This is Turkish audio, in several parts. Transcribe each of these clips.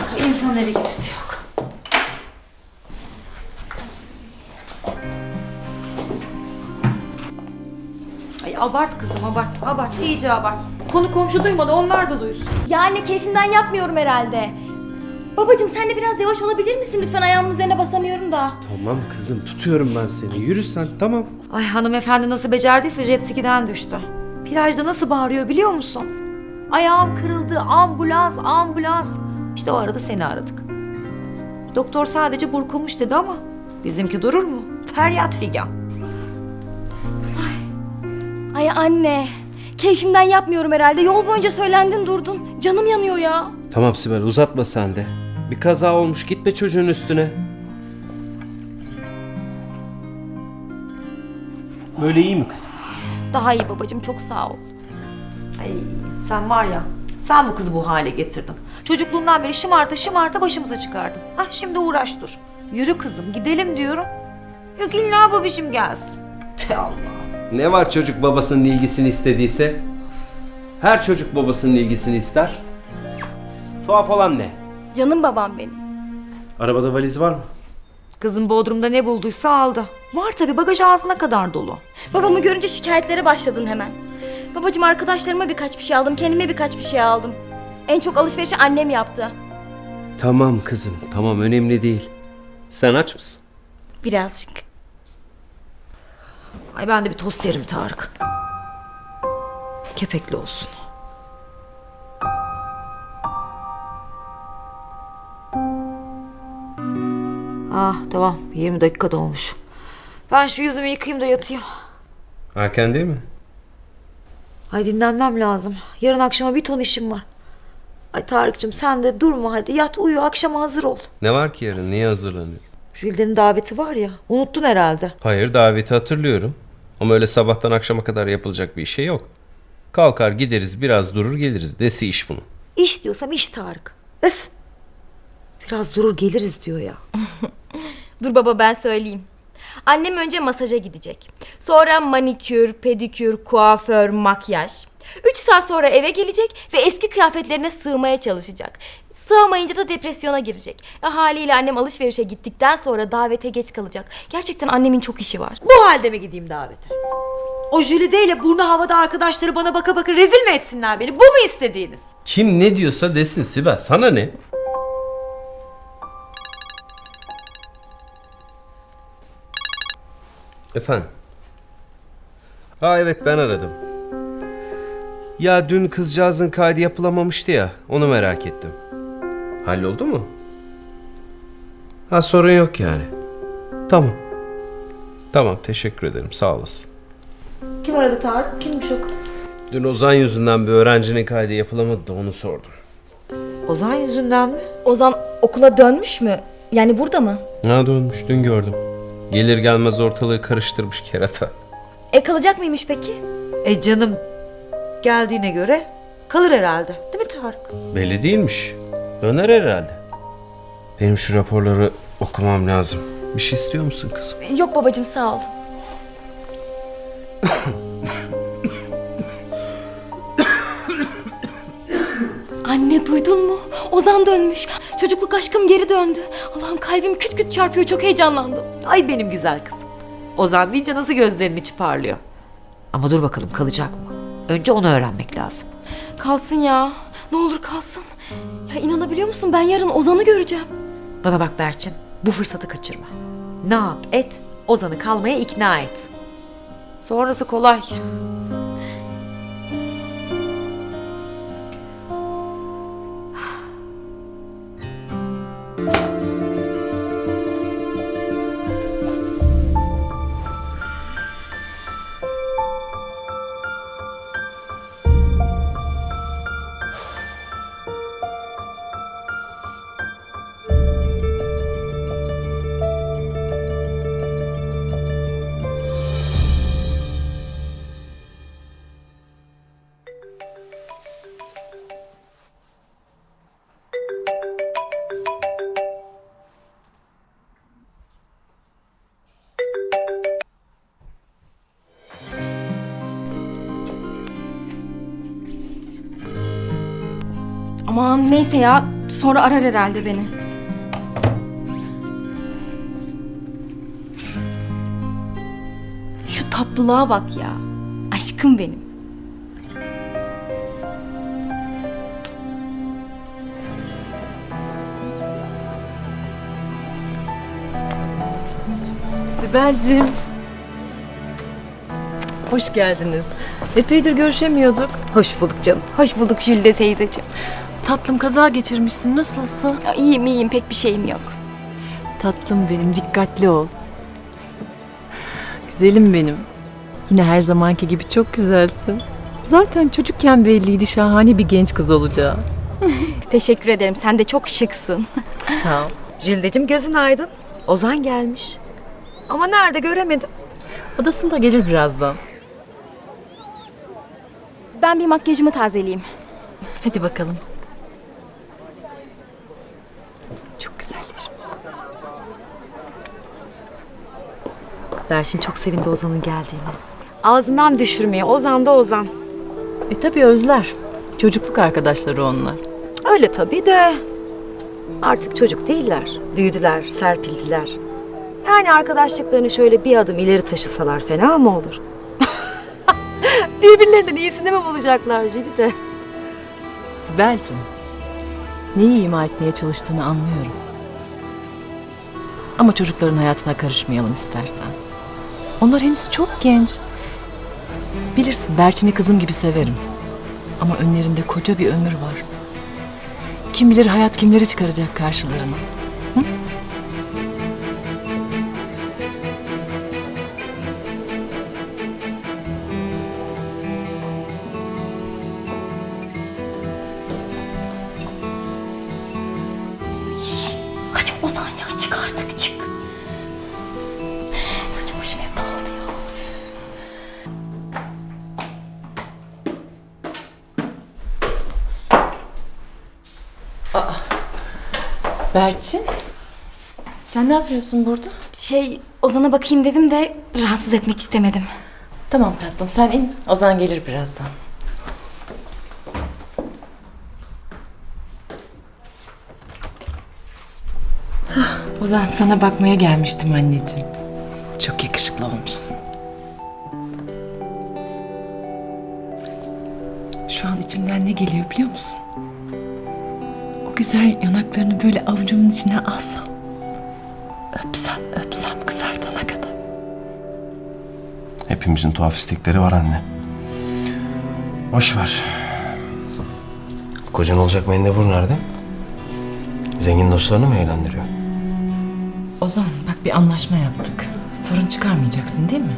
İnsan eli gibisi yok. Ay abart kızım, abart, iyice abart. Konu komşu duymadı, onlar da duysun. Ya anne, keyfimden yapmıyorum herhalde. Babacığım sen de biraz yavaş olabilir misin lütfen? Ayağımın üzerine basamıyorum da. Tamam kızım, tutuyorum ben seni. Yürü sen, tamam. Ay hanımefendi nasıl becerdiyse jet ski'den düştü. Plajda nasıl bağırıyor biliyor musun? Ayağım kırıldı, ambulans, ambulans. İşte o arada seni aradık. Doktor sadece burkulmuş dedi ama bizimki durur mu? Feryat figan. Ay anne, keyfimden yapmıyorum herhalde. Yol boyunca söylendin durdun. Canım yanıyor ya. Tamam Sibel, uzatma sen de. Bir kaza olmuş, gitme çocuğun üstüne. Böyle iyi mi kızım? Daha iyi babacığım, çok sağ ol. Ay sen var ya, sen bu kızı bu hale getirdin. Çocukluğundan beri şımarta başımıza çıkardın. Hah şimdi uğraş dur. Yürü kızım gidelim diyorum. Yok illa babişim gelsin. Te Allah. Ne var çocuk babasının ilgisini istediyse? Her çocuk babasının ilgisini ister. Tuhaf olan ne? Canım babam benim. Arabada valiz var mı? Kızım Bodrum'da ne bulduysa aldı. Var tabii bagaj ağzına kadar dolu. Babamı görünce şikayetlere başladın hemen. Babacığım arkadaşlarıma birkaç bir şey aldım, kendime birkaç bir şey aldım. En çok alışverişi annem yaptı. Tamam kızım, tamam, önemli değil. Sen aç mısın? Birazcık. Ay ben de bir tost yerim Tarık. Kepekli olsun. Ah tamam 20 dakika dolmuş. Ben şu yüzümü yıkayayım da yatayım. Erken değil mi? Ay dinlenmem lazım. Yarın akşama bir ton işim var. Ay Tarık'cığım sen de durma hadi yat uyu akşama hazır ol. Ne var ki yarın? Niye hazırlanıyor? Jülden'in daveti var ya unuttun herhalde. Hayır, daveti hatırlıyorum. Ama öyle sabahtan akşama kadar yapılacak bir şey yok. Kalkar gideriz, biraz durur geliriz. Desi iş bunun. İş diyorsam iş Tarık. Öf. Biraz durur geliriz diyor ya. Dur baba ben söyleyeyim. Annem önce masaja gidecek. Sonra manikür, pedikür, kuaför, makyaj. 3 saat sonra eve gelecek ve eski kıyafetlerine sığmaya çalışacak. Sığamayınca da depresyona girecek. Haliyle annem alışverişe gittikten sonra davete geç kalacak. Gerçekten annemin çok işi var. Bu halde mi gideyim davete? O Jülide ile burnu havada arkadaşları bana baka baka rezil mi etsinler beni? Bu mu istediğiniz? Kim ne diyorsa desin Sibel. Sana ne? Efendim? Ha evet, ben aradım. Ya dün kızcağızın kaydı yapılamamıştı ya. Onu merak ettim. Halloldu mu? Ha, sorun yok yani. Tamam. Tamam, teşekkür ederim. Sağ olasın. Kim aradı Tarık? Kimmiş o kız? Dün Ozan yüzünden bir öğrencinin kaydı yapılamadı da onu sordum. Ozan yüzünden mi? Ozan okula dönmüş mü? Yani burada mı? Ha, dönmüş, dün gördüm. Gelir gelmez ortalığı karıştırmış kerata. Kalacak mıymış peki? Canım geldiğine göre kalır herhalde. Değil mi Tarık? Belli değilmiş. Döner herhalde. Benim şu raporları okumam lazım. Bir şey istiyor musun kızım? Yok babacığım sağ ol. Anne duydun mu? Ozan dönmüş. Çocukluk aşkım geri döndü. Allah'ım kalbim küt küt çarpıyor, çok heyecanlandım. Ay benim güzel kızım. Ozan deyince nasıl gözlerinin içi parlıyor. Ama dur bakalım kalacak mı? Önce onu öğrenmek lazım. Kalsın ya. Ne olur kalsın. Ya inanabiliyor musun, ben yarın Ozan'ı göreceğim. Bana bak Berçin, bu fırsatı kaçırma. Ne yap et, Ozan'ı kalmaya ikna et. Sonrası kolay. Aman neyse ya. Sonra arar herhalde beni. Şu tatlılığa bak ya. Aşkım benim. Sibel'cim. Hoş geldiniz. Epeydir görüşemiyorduk. Hoş bulduk canım. Hoş bulduk Jülde teyzeciğim. Tatlım, kaza geçirmişsin. Nasılsın? Ya, iyiyim pek bir şeyim yok. Tatlım benim, dikkatli ol. Güzelim benim. Yine her zamanki gibi çok güzelsin. Zaten çocukken belliydi şahane bir genç kız olacağı. Teşekkür ederim. Sen de çok şıksın. Sağ ol. Jüldeciğim gözün aydın. Ozan gelmiş. Ama nerede göremedim. Odasında gelir birazdan. Ben bir makyajımı tazeleyeyim. Hadi bakalım. Çok güzelleşmiş. Berşin çok sevindi Ozan'ın geldiğini. Ağzından düşürmeye. Ozan da Ozan. Tabii özler. Çocukluk arkadaşları onlar. Öyle tabii de. Artık çocuk değiller. Büyüdüler, serpildiler. Yani arkadaşlıklarını şöyle bir adım ileri taşısalar fena mı olur? Birbirlerinden iyisini mi bulacaklar Jülide? Sibel'cim, neyi ima etmeye çalıştığını anlıyorum. Ama çocukların hayatına karışmayalım istersen. Onlar henüz çok genç. Bilirsin, Berçin'i kızım gibi severim. Ama önlerinde koca bir ömür var. Kim bilir hayat kimleri çıkaracak karşılarına. Hadi Ozan ya, çık artık, çık. Saçım başım hep dağıldı ya. Berçin, sen ne yapıyorsun burada? Ozan'a bakayım dedim de rahatsız etmek istemedim. Tamam tatlım, sen in. Ozan gelir birazdan. Ozan, sana bakmaya gelmiştim anneciğim. Çok yakışıklı olmuşsun. Şu an içimden ne geliyor biliyor musun? O güzel yanaklarını böyle avucumun içine alsam. Öpsem kızardana kadar. Hepimizin tuhaf istekleri var anne. Boş ver. Kocan olacak mendebur nerede? Zengin dostlarını mı eğlendiriyor? Ozan, bak bir anlaşma yaptık. Sorun çıkarmayacaksın değil mi?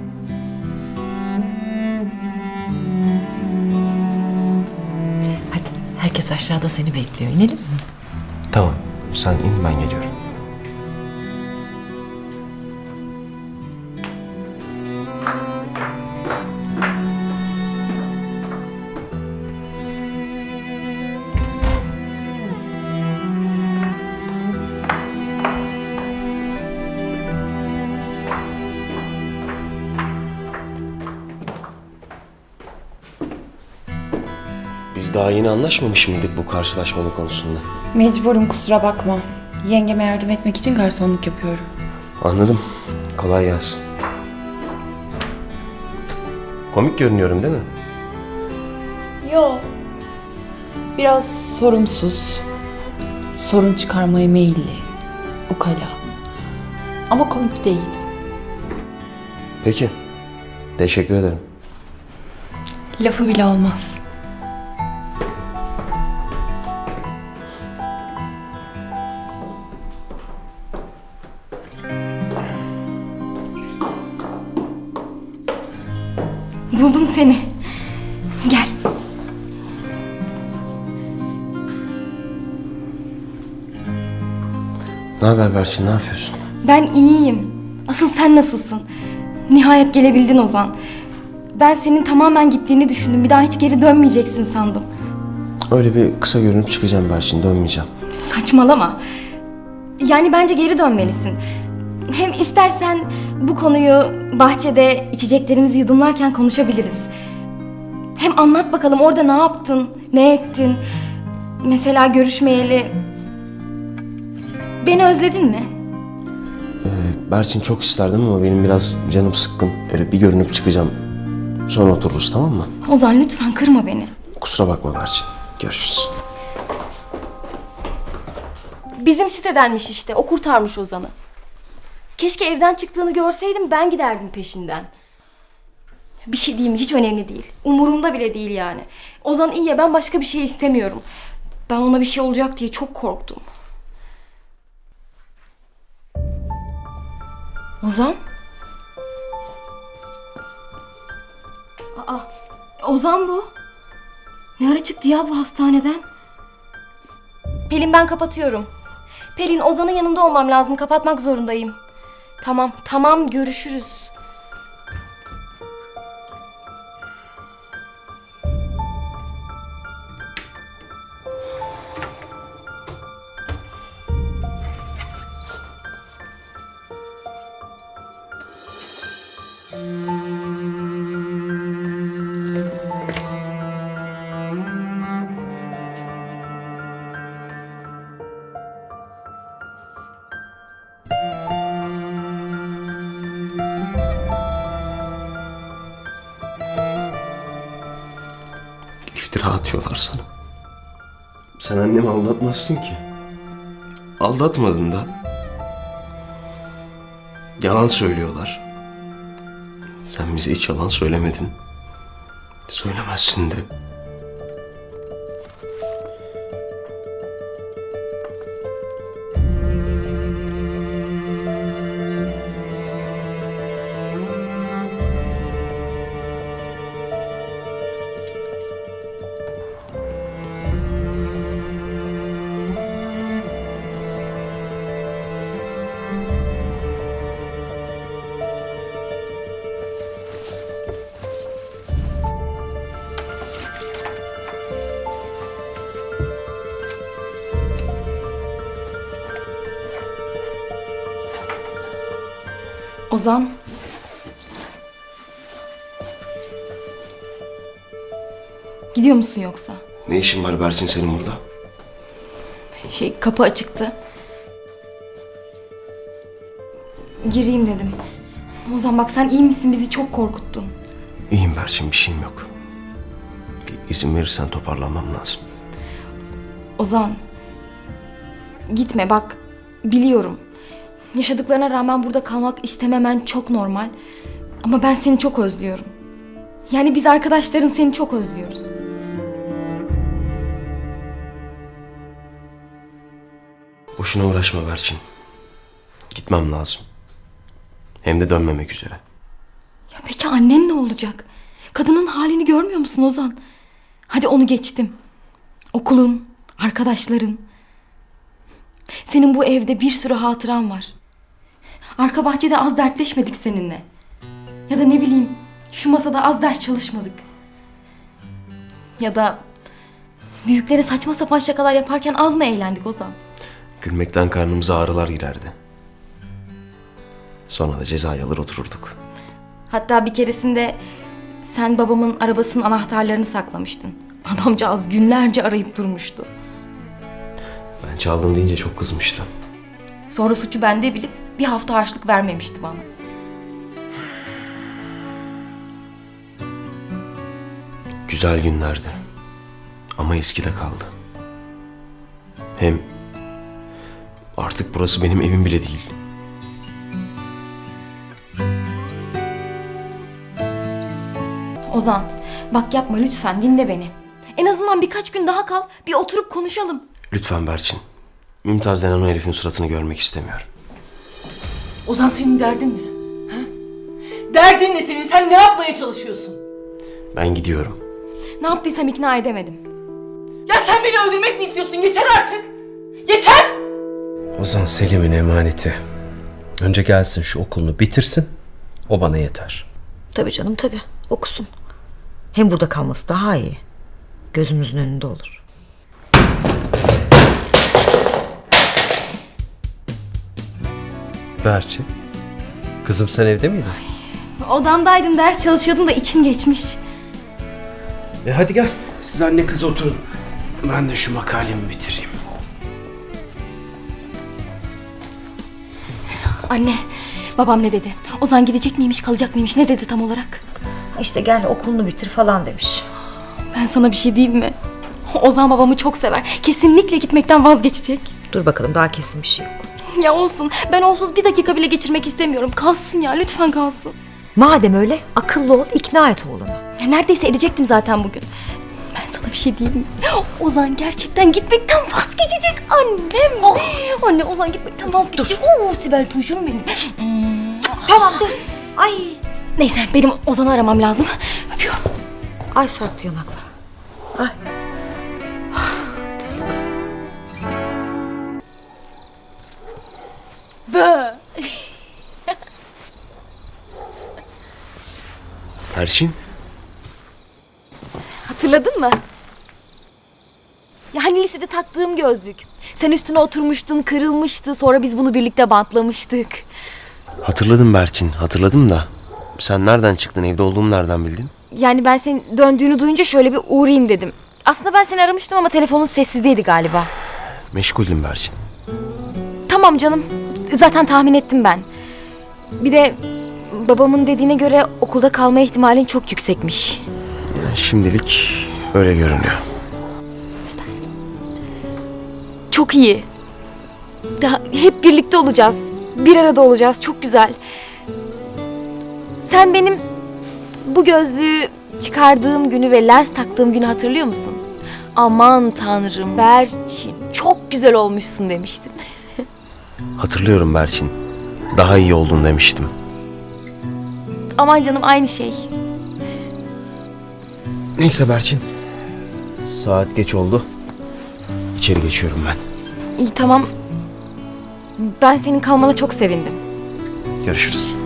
Hadi, herkes aşağıda seni bekliyor. İnelim mi? Tamam, sen in, ben geliyorum. Biz daha yeni anlaşmamış mıydık bu karşılaşmalı konusunda? Mecburum, kusura bakma. Yengeme yardım etmek için garsonluk yapıyorum. Anladım. Kolay gelsin. Komik görünüyorum değil mi? Yo. Biraz sorumsuz. Sorun çıkarmaya meyilli. Ukala. Ama komik değil. Peki. Teşekkür ederim. Lafı bile olmaz. Buldum seni. Gel. Ne haber Berçin, ne yapıyorsun? Ben iyiyim. Asıl sen nasılsın? Nihayet gelebildin Ozan. Ben senin tamamen gittiğini düşündüm. Bir daha hiç geri dönmeyeceksin sandım. Öyle bir kısa görünüp çıkacağım Berçin, dönmeyeceğim. Saçmalama. Yani bence geri dönmelisin. Hem istersen bu konuyu bahçede içeceklerimizi yudumlarken konuşabiliriz. Hem anlat bakalım orada ne yaptın, ne ettin? Mesela görüşmeyeli... Beni özledin mi? Berçin çok isterdim ama benim biraz canım sıkkın. Öyle bir görünüp çıkacağım. Sonra otururuz, tamam mı? Ozan lütfen kırma beni. Kusura bakma Berçin. Görüşürüz. Bizim sitedenmiş işte. O kurtarmış Ozan'ı. Keşke evden çıktığını görseydim, ben giderdim peşinden. Bir şey diyeyim mi? Hiç önemli değil. Umurumda bile değil yani. Ozan iyi ya, ben başka bir şey istemiyorum. Ben ona bir şey olacak diye çok korktum. Ozan? Aa, Ozan bu. Ne ara çıktı ya bu hastaneden? Pelin, ben kapatıyorum. Pelin, Ozan'ın yanında olmam lazım. Kapatmak zorundayım. Tamam, görüşürüz. İftira atıyorlar sana. Sen annemi aldatmazsın ki. Aldatmadın da. Yalan söylüyorlar. Sen bize hiç yalan söylemedin. Söylemezsin de. Ozan. Gidiyor musun yoksa? Ne işin var Berçin senin burada? Kapı açıktı. Gireyim dedim. Ozan bak, sen iyi misin? Bizi çok korkuttun. İyiyim Berçin, bir şeyim yok. Bir izin verirsen toparlanmam lazım. Ozan. Gitme bak. Biliyorum. Yaşadıklarına rağmen burada kalmak istememen çok normal. Ama ben seni çok özlüyorum. Yani biz arkadaşların seni çok özlüyoruz. Boşuna uğraşma Berçin. Gitmem lazım. Hem de dönmemek üzere. Ya peki annen ne olacak? Kadının halini görmüyor musun Ozan? Hadi onu geçtim. Okulun, arkadaşların. Senin bu evde bir sürü hatıran var. Arka bahçede az dertleşmedik seninle. Ya da ne bileyim, şu masada az ders çalışmadık. Ya da büyüklere saçma sapan şakalar yaparken az mı eğlendik Ozan? Gülmekten karnımıza ağrılar girerdi. Sonra da cezayı alır otururduk. Hatta bir keresinde sen babamın arabasının anahtarlarını saklamıştın. Adamcağız günlerce arayıp durmuştu. Ben çaldım deyince çok kızmıştı. Sonra suçu bende bilip bir hafta harçlık vermemişti bana. Güzel günlerdi. Ama eskide kaldı. Hem artık burası benim evim bile değil. Ozan, bak yapma lütfen, dinle beni. En azından birkaç gün daha kal, bir oturup konuşalım. Lütfen Berçin. Mümtaz denen o herifin suratını görmek istemiyorum. Ozan, senin derdin ne? Ha? Derdin ne senin? Sen ne yapmaya çalışıyorsun? Ben gidiyorum. Ne yaptıysam ikna edemedim. Ya sen beni öldürmek mi istiyorsun? Yeter artık! Yeter! Ozan Selim'in emaneti. Önce gelsin, şu okulunu bitirsin. O bana yeter. Tabii canım, tabii. Okusun. Hem burada kalması daha iyi. Gözümüzün önünde olur. Berçin. Kızım, sen evde miydin? Odamdaydım, ders çalışıyordum da içim geçmiş. Hadi gel. Siz anne kız oturun. Ben de şu makalemi bitireyim. Anne, babam ne dedi? Ozan gidecek miymiş, kalacak mıymış? Ne dedi tam olarak? İşte gel okulunu bitir falan demiş. Ben sana bir şey diyeyim mi? Ozan babamı çok sever. Kesinlikle gitmekten vazgeçecek. Dur bakalım, daha kesin bir şey yok. Ya olsun. Ben onsuz bir dakika bile geçirmek istemiyorum. Kalsın ya, lütfen kalsın. Madem öyle akıllı ol, ikna et oğlunu. Ya neredeyse edecektim zaten bugün. Ben sana bir şey diyeyim mi? Ozan gerçekten gitmekten vazgeçecek annem. Anne Ozan gitmekten vazgeçecek. Oo Sibel Tuşum benim. Tamam dur. Ay. Neyse benim Ozan'ı aramam lazım. Öpüyorum. Ay sarktı yanaklar. Ay. Deli kız. Bö. Berçin? Hatırladın mı? Ya hani lisede taktığım gözlük. Sen üstüne oturmuştun, kırılmıştı. Sonra biz bunu birlikte bantlamıştık. Hatırladım Berçin, hatırladım da. Sen nereden çıktın, evde olduğumu nereden bildin? Yani ben senin döndüğünü duyunca şöyle bir uğrayayım dedim. Aslında ben seni aramıştım ama telefonun sessizdeydi galiba. Meşguldüm Berçin. Tamam canım. Zaten tahmin ettim ben. Bir de babamın dediğine göre okulda kalma ihtimalin çok yüksekmiş. Yani şimdilik öyle görünüyor. Çok iyi. Daha hep birlikte olacağız. Bir arada olacağız. Çok güzel. Sen benim bu gözlüğü çıkardığım günü ve lens taktığım günü hatırlıyor musun? Aman tanrım Berçin çok güzel olmuşsun demiştin. Hatırlıyorum Berçin. Daha iyi oldun demiştim. Aman canım aynı şey. Neyse Berçin. Saat geç oldu. İçeri geçiyorum ben. İyi tamam. Ben senin kalmana çok sevindim. Görüşürüz.